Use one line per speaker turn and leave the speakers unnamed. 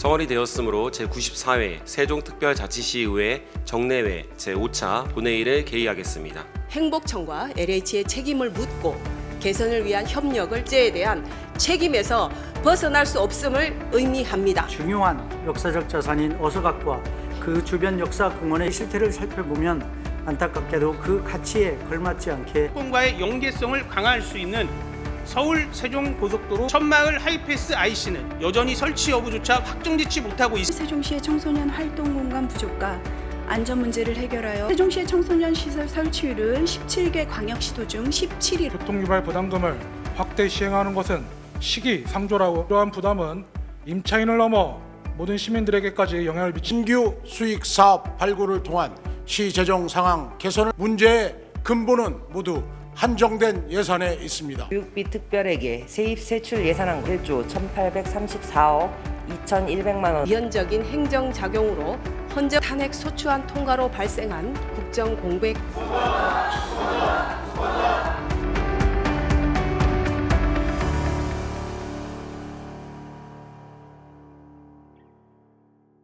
성월이 되었으므로 제94회 세종특별자치시의회 정례회 제5차 본회의를 개의하겠습니다.
행복청과 LH의 책임을 묻고 개선을 위한 협력을 제에 대한 책임에서 벗어날 수 없음을 의미합니다.
중요한 역사적 자산인 어서각과 그 주변 역사 공원의 실태를 살펴보면 안타깝게도 그 가치에 걸맞지 않게
공과의 연계성을 강화할 수 있는 서울 세종 고속도로 천마을 하이패스 IC는 여전히 설치 여부조차 확정짓지 못하고 있습니다.
세종시의 청소년 활동 공간 부족과 안전 문제를 해결하여 세종시의 청소년 시설 설치율은 17개 광역시도 중 17위.
교통유발 부담금을 확대 시행하는 것은 시기상조라고 이러한 부담은 임차인을 넘어 모든 시민들에게까지 영향을 미친
신규 수익 사업 발굴을 통한 시 재정 상황 개선을 문제의 근본은 모두 한정된 예산에 있습니다.
교육비 특별회계 세입 세출 예산안 1조 1,834억 2,100만 원.
위헌적인 행정작용으로 헌재 탄핵 소추안 통과로 발생한 국정 공백